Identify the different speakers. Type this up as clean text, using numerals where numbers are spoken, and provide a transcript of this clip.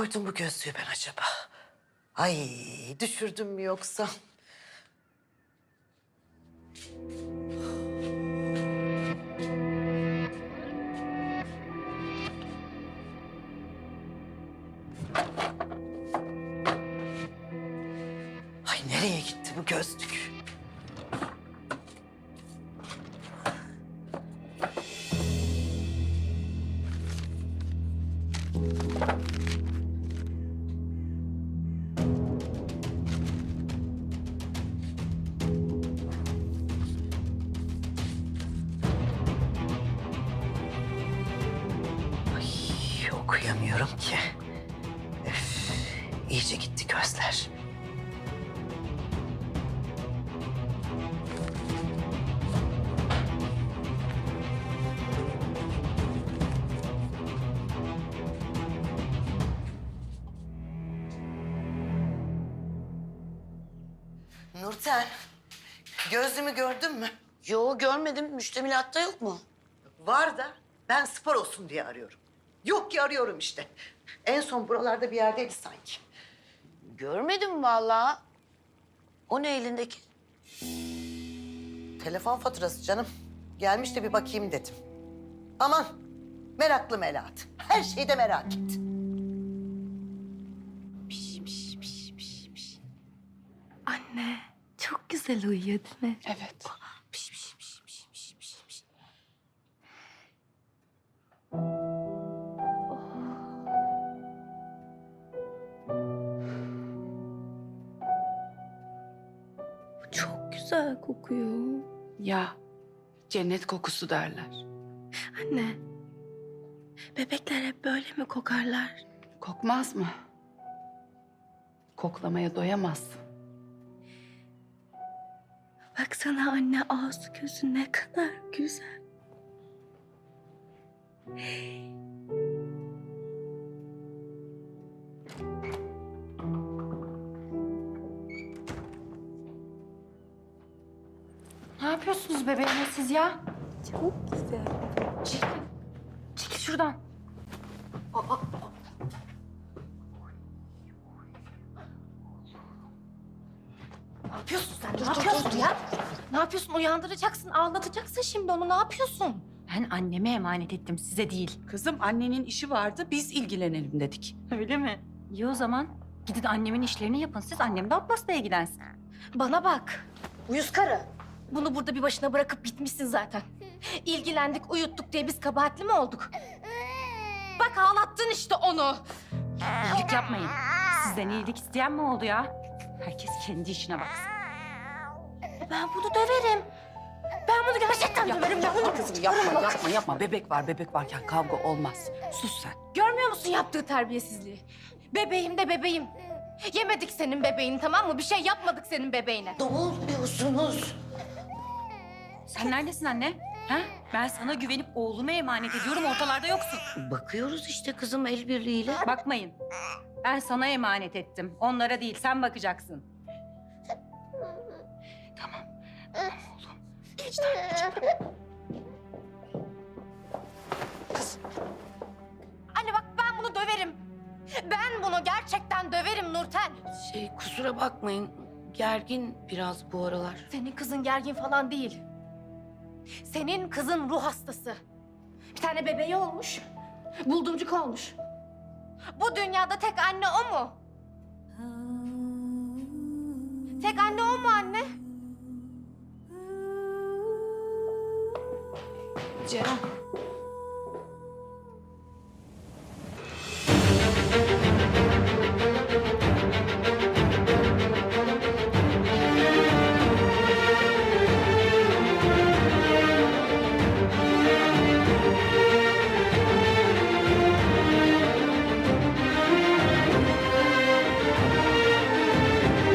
Speaker 1: koydum bu gözlüğü ben acaba? Ay düşürdüm mü yoksa? Ay nereye gitti bu gözlük? Ay okuyamıyorum ki. Öf, iyice gitti gözler. Nurten, gözlüğümü gördün mü?
Speaker 2: Yo görmedim. Müştemilatta yok mu?
Speaker 1: Var da ben spor olsun diye arıyorum. Yok ki arıyorum işte. En son buralarda bir yerdeydi sanki.
Speaker 2: Görmedim vallahi. O ne elindeki?
Speaker 1: Telefon faturası canım. Gelmiş de bir bakayım dedim. Aman meraklı Melahat. Her şeyi de merak et.
Speaker 3: Anne çok güzel uyuyor değil mi?
Speaker 4: Evet.
Speaker 3: Çok güzel kokuyor.
Speaker 4: Ya cennet kokusu derler.
Speaker 3: Anne, bebekler hep böyle mi kokarlar?
Speaker 4: Kokmaz mı? Koklamaya doyamazsın.
Speaker 3: Baksana anne ağzı gözü ne kadar güzel.
Speaker 5: Ne yapıyorsunuz bebeğime siz ya?
Speaker 3: Çok güzel.
Speaker 5: Çekil. Çekil şuradan.
Speaker 3: Ne yapıyorsun sen? Ne yapıyorsun ya? Ne yapıyorsun? Uyandıracaksın, ağlatacaksın şimdi onu. Ne yapıyorsun?
Speaker 5: Ben anneme emanet ettim, size değil.
Speaker 4: Kızım annenin işi vardı biz ilgilenelim dedik.
Speaker 5: Öyle mi? İyi o zaman. Gidin annemin işlerini yapın. Siz annem de Abbas'la ilgilensin.
Speaker 3: Bana bak. Uyuz karı. Bunu burada bir başına bırakıp gitmişsin zaten. İlgilendik, uyuttuk diye biz kabahatli mi olduk? Bak ağlattın işte onu.
Speaker 5: İyilik yapmayın. Sizden iyilik isteyen mi oldu ya? Herkes kendi işine baksın.
Speaker 3: Ben bunu döverim. Ben bunu gerçekten döverim. Ben bunu...
Speaker 4: Kızım yapma. Bebek varken kavga olmaz. Sus sen.
Speaker 3: Görmüyor musun yaptığı terbiyesizliği? Bebeğim de bebeğim. Yemedik senin bebeğini, tamam mı? Bir şey yapmadık senin bebeğine.
Speaker 2: Ne oluyorsunuz?
Speaker 5: Sen neredesin anne? Ha? Ben sana güvenip oğlumu emanet ediyorum, ortalarda yoksun.
Speaker 2: Bakıyoruz işte kızım el birliğiyle.
Speaker 5: Bakmayın. Ben sana emanet ettim. Onlara değil, sen bakacaksın. Tamam. Tamam oğlum. Geç
Speaker 3: Anne bak ben bunu döverim. Ben bunu gerçekten döverim Nurten.
Speaker 2: Kusura bakmayın. Gergin biraz bu aralar.
Speaker 3: Senin kızın gergin falan değil. Senin kızın ruh hastası. Bir tane bebeği olmuş. Buldumcuk olmuş. Bu dünyada tek anne o mu? Tek anne o mu anne?
Speaker 4: Ceren.